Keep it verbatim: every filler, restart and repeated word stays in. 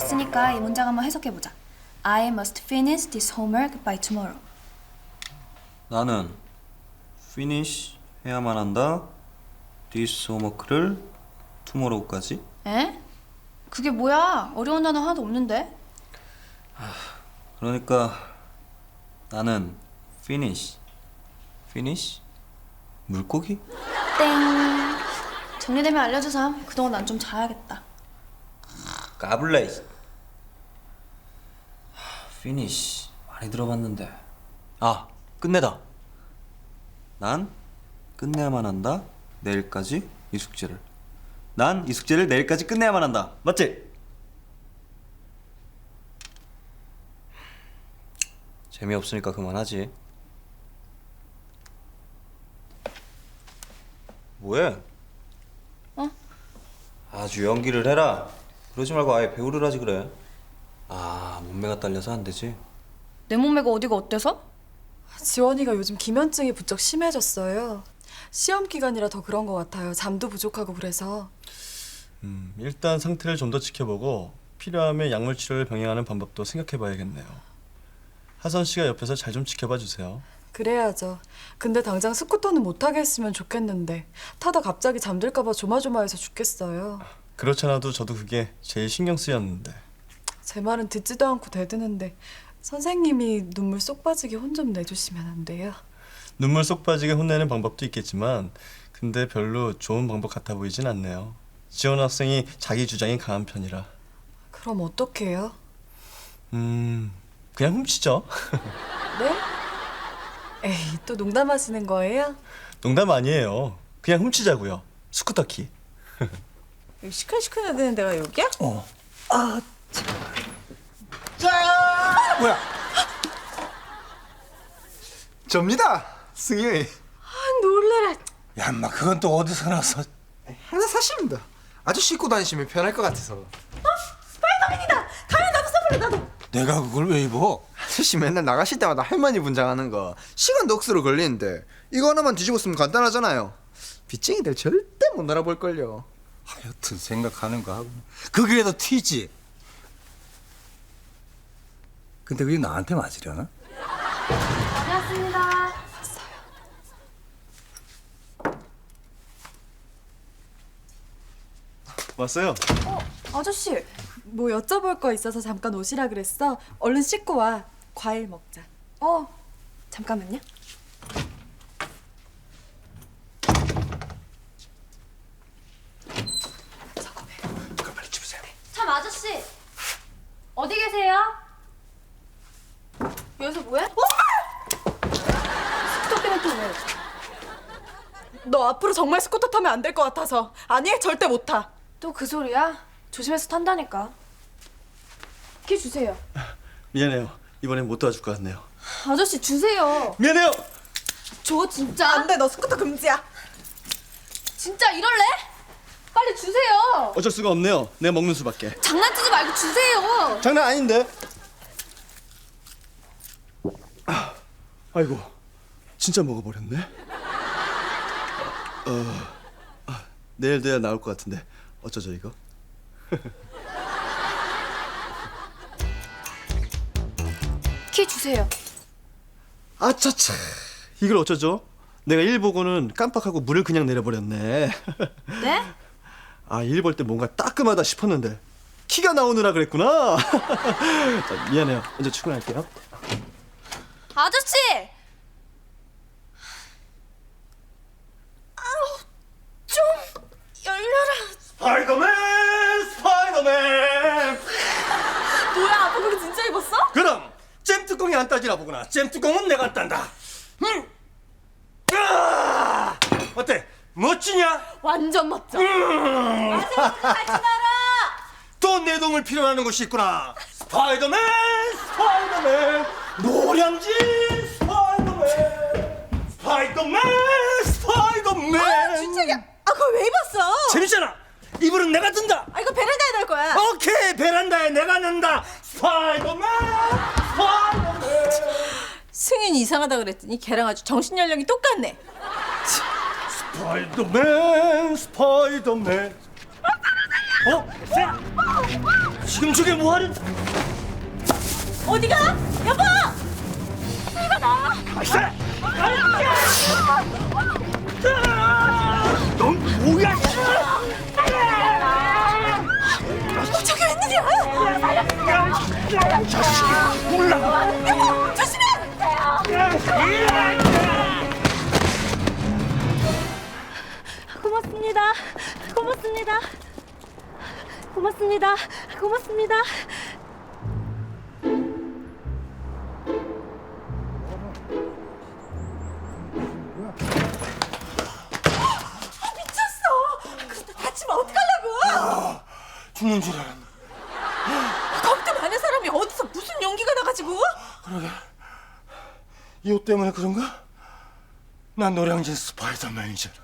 봤으니까 이 문장 한번 해석해보자. I must finish this homework by tomorrow. 나는 finish 해야만 한다. this homework를 tomorrow까지. 에? 그게 뭐야? 어려운 단어 하나도 없는데? 그러니까 나는 finish. finish? 물고기? 땡. 정리되면 알려주삼. 그동안 난 좀 자야겠다. 까불레. finish 많이 들어봤는데. 아, 끝내다. 난 끝내야만 한다. 내일까지 이 숙제를. 난 이 숙제를 내일까지 끝내야만 한다. 맞지? 재미없으니까 그만하지. 뭐해? 어? 아주 연기를 해라. 그러지 말고 아예 배우를 하지 그래. 아, 몸매가 딸려서 안 되지. 내 몸매가 어디가 어때서? 지원이가 요즘 기면증이 부쩍 심해졌어요. 시험 기간이라 더 그런 것 같아요. 잠도 부족하고 그래서. 음, 일단 상태를 좀 더 지켜보고 필요하면 약물 치료를 병행하는 방법도 생각해봐야겠네요. 하선 씨가 옆에서 잘 좀 지켜봐 주세요. 그래야죠. 근데 당장 스쿠터는 못 타게 했으면 좋겠는데 타다 갑자기 잠들까 봐 조마조마해서 죽겠어요. 그렇잖아도 저도 그게 제일 신경 쓰였는데. 제 말은 듣지도 않고 대드는데 선생님이 눈물 쏙 빠지게 혼 좀 내주시면 안 돼요? 눈물 쏙 빠지게 혼내는 방법도 있겠지만 근데 별로 좋은 방법 같아 보이진 않네요. 지원 학생이 자기 주장이 강한 편이라. 그럼 어떡해요? 음... 그냥 훔치죠. 네? 에이, 또 농담하시는 거예요? 농담 아니에요. 그냥 훔치자고요. 스쿠터 키. 여기 시큰시큰해야 되는 데가 여기야? 어. 아, 참. 자, 뭐야? 접니다, 승희. 아, 놀래라. 야, 인마 그건 또 어디서 나서? 하나 사십니다. 아저씨 입고 다니시면 편할 것 같아서. 어? 스파이더맨이다. 가면 나도 써볼래 나도. 내가 그걸 왜 입어? 아저씨 맨날 나가실 때마다 할머니 분장하는 거 시간도 억수로 걸리는데 이거 하나만 뒤집어 쓰면 간단하잖아요. 빚쟁이들 절대 못 알아볼걸요. 하여튼 생각하는 거 하고 그게 더 튀지. 근데 그게 나한테 맞으려나? 반갑습니다. 왔어요. 어, 아저씨. 뭐 여쭤볼 거 있어서 잠깐 오시라 그랬어. 얼른 씻고 와. 과일 먹자. 어, 잠깐만요. 그럼 빨리 집으세요. 참 아저씨, 어디 계세요? 여기서 뭐해? 스쿠터 때문에 또 왜? 너 앞으로 정말 스쿠터 타면 안 될 것 같아서. 아니, 절대 못 타. 또 그 소리야? 조심해서 탄다니까. 키 주세요. 미안해요. 이번엔 못 도와줄 것 같네요. 아저씨 주세요. 미안해요. 저 진짜 안 돼, 너 스쿠터 금지야. 진짜 이럴래? 빨리 주세요. 어쩔 수가 없네요. 내가 먹는 수밖에. 장난치지 말고 주세요. 장난 아닌데. 아, 아이고, 진짜 먹어버렸네. 어, 아, 내일 돼야 나올 것 같은데 어쩌죠 이거? 키 주세요. 아차차, 이걸 어쩌죠? 내가 일 보고는 깜빡하고 물을 그냥 내려버렸네. 네? 아, 일 볼 때 뭔가 따끔하다 싶었는데 키가 나오느라 그랬구나. 자, 미안해요. 먼저 출근할게요. 아저씨! 아우, 좀 열려라. 스파이더맨, 스파이더맨. 뭐야, 아빠 그거 진짜 입었어? 그럼 잼 뚜껑이 안 따지나 보구나. 잼 뚜껑은 내가 딴다. 음. 아! 어때? 멋지냐? 완전 멋져. 또 내 도움을 필요로 것이 있구나. 스파이더맨, 스파이더맨, 노량진 스파이더맨, 스파이더맨, 스파이더맨. 진짜야. 아, 그걸 왜 입었어? 재밌잖아. 이불은 내가 든다. 아, 이거 베란다에 넣을 거야. 오케이, 베란다에 내가 넣는다. 스파이더맨, 스파이더맨. 승인이 이상하다 그랬더니 걔랑 아주 정신 연령이 똑같네. 스파이더맨, 스파이더맨. 어? 지금 저게 뭐하는? 어디가? 여보! 넌 뭐야? 저게 웬일이야? 여보! 조심해! 고맙습니다. 고맙습니다. 고맙습니다. 고맙습니다. 다치면 어떡하려고? 죽는 줄 알았네. 겁도 많은 사람이 어디서 무슨 용기가 나가지고? 이 옷 때문에 그런가? 난 노량진 스파이더맨이잖아.